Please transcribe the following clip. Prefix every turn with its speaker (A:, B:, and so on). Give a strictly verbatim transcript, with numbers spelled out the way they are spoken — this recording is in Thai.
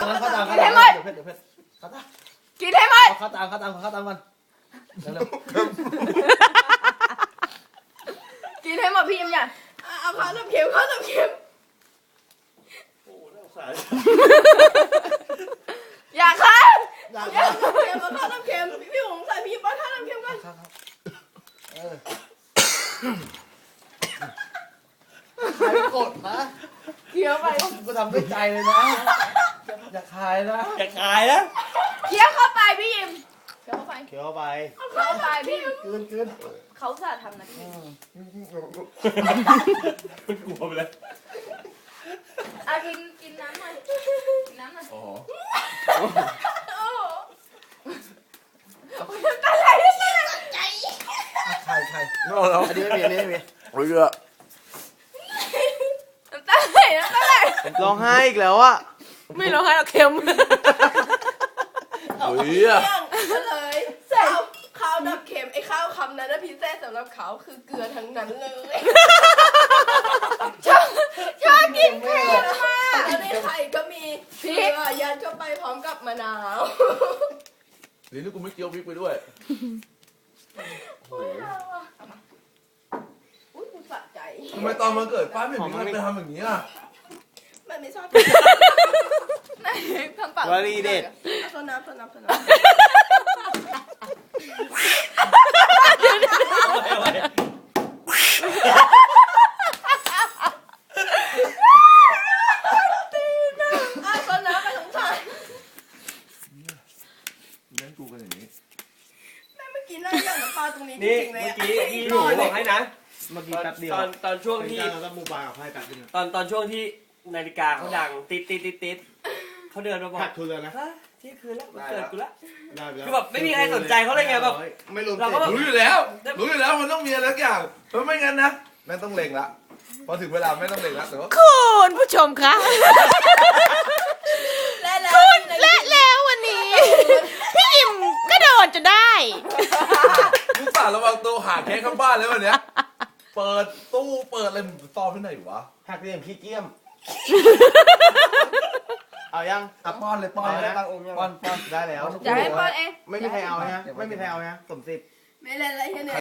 A: เข้าตาม
B: กินให้หมด
A: เดี๋ยวเพชรเดี๋ยวเพชรเข้าตาม
B: กินให้หมด
A: เข้าตามเข้าตามเข้าตามกันเร็ว
B: กินให้หมดพี่ยิ้มอย่าเอาข้าวน้ำเค็มข้าวน้ำเค็ม
C: โอ้น่าสงสาร
B: อย่าค่ะ
A: ๆอย่าง
B: อย่าข้าวน้ำเค็มเอาข้าวน้ำเค็มพี่หงใส่พี่ป้อนข้าวน้ำเค็มกัน
A: ครับเออใครกดนะ
B: เคี้ยวไป
A: กูทำด้วยใจเลยนะอย่าคายนะ
C: อย่าขายนะ
B: เคี้ยวเข้าไปพี่ยิ้มเคี้ยวเข้าไป
A: เขียวไป
B: เคี้ยวเข้าไปพี่
A: คืนคืน
B: เขาสาทำนะพี่
C: มันกลัวไปเลย
B: อ่ะกินกินน้ำหน่อยกินน้ำหน่อย
C: อ๋อ
B: โอ้โหน้ำตาไหลด้วยสิใจ
A: ใครใคร
C: ไม่เอาแล้ว
A: อันนี้ไม่มีอันนี้ไม่มี
C: โอ้ยอะ
B: น้ำตาไหลน้ำตาไหล
A: ร้องไห้อีกแล้วอะ
B: ไม่ร้องไห้หรอกเค็ม
C: โอ้ยอะ
B: เรื่องก็เลยข้าวข้าวดับเค็มไอ้ข้าวคำนั้นนะพิเศษสำหรับเขาคือเกลือทั้งนั้นเลยชอบชอบกินเผ็ดมากแล้วในไข่ก็มีพริกยัดเข้าไปพร้อมกับมะนาว
C: เดี๋ยวนี้กูไม่เกี่ยวพริกไปด้วย
B: อุ้ยกูสะใจ
C: ทำไมตอนมันเกิดป้าไม่เห็นมีใครไปทำอย่างนี้อ่ะ
B: มันไม่ชอบไหนทำปาก
A: วลีเด็ด
B: โซน้ำโซน้ำโซน้ำอ่ะโซน้ำไปสงสาร
C: เล่นกูกันอย่างนี้
B: แม่เมื่อกี้นั่งย่างน้ำปลาตรงนี้จ
D: นี่
B: ริงๆเลย
D: เมื่อ
B: อ่ะ
D: กี้พี่หนูบอกให้นะ
A: เมื่อกี้แป๊บเดียว
D: ตอนตอนช่วงที่
A: เราต้องมูบากับไพ่แป๊บเดียว
D: ตอนตอนช่วงที่นาฬิกาเขาดังติดติดติดติดเขาเดินมาบอก
A: ขาดทุนเลยนะ
D: ฮะเที่ยงคืนแล้วมันเกิดกูละ
A: ได้ไปล้ว
D: คือแบบไม่มีใครสนใจเขาเลยไงแบบ
A: ไม่รวม
D: เราก็แบบ
C: รู้อยู่แล้ว รู้อยู่แล้วมันต้องมีอะไรสักอย่างเพราะไม่งั้นนะแม่งต้องเล็งละพอถึงเวลาไม่ต้องเล็งละแต่ว่า
E: คุณผู้ชมคะ
B: และแล้ว
E: และแล้ววันนี้ พี่ยิมก็โดนจนได้
C: ลูกสาวระวังตัวหาแค่ข้างบ้านแล้ววันเนี้ยเปิดตู้เปิดอะไรซ่อนที่ไหนวะ
A: หักเหลี่ยมขี้เกียมเอายัง
C: อ่ะป้อนเลยป้อน
A: เอา
C: เลย
A: นะป้อนป้อนได้แล้ว
B: จะให้ป้อนเอง
A: ไม่มีใครเอานะไม่มีใครเอานะสมสิบ
B: ไม่เล่นอะไรแค่นี้